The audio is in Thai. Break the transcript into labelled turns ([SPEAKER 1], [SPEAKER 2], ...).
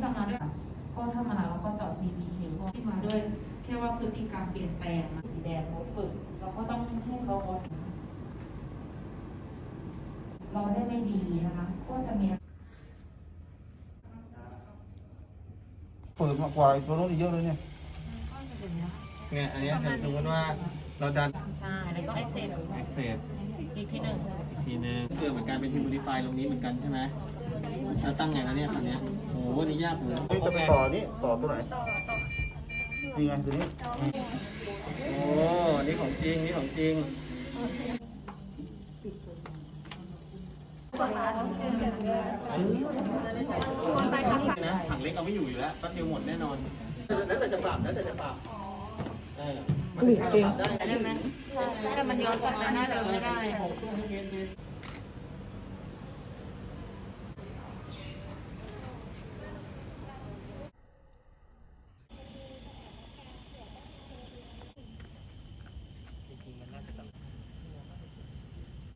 [SPEAKER 1] ำมาด้วยก็ถ้ามาเราก็เจาะ CPK พวกที่มาด้วยแค่ว่าพฤติกรรมเปลี่ยนแปลงสีแดงเราฝึกเราก็ต้องให้เขาเราได้ไม่ดีนะคะก็จะมี
[SPEAKER 2] เปิดมากกว่าตัวนู้นเยอะเลยเนี่ย
[SPEAKER 3] เนี่ยอันนี้สมมติว่าเราดัน
[SPEAKER 1] ใช่แล้วก็เอ็กเซสอีกที่หนึ่ง
[SPEAKER 3] อีกทีนึงเกิดเหมือนกันเป็นทีม modify ตรงนี้เหมือนกันใช่ไหมแล้วตั้งไงนะเนี่ยคราวนี้โอ้โหนี่ยากเลย
[SPEAKER 2] เฮ้ยจะไปต่อนี่ต่อตัวไหนนี่ไงตัวนี้
[SPEAKER 3] โอ้นี่ของจริงนี่ของจริงนะถังเล็กเอาไม่อยู่แล้วแป๊บเดียวหมดแน่นอนแล้วแต่จะปรับแล้วแต่จะปรับมันจะปรับได้
[SPEAKER 1] ได้ไหมแต่มันย้อนกลับไปหน้าเดิมไม่ได้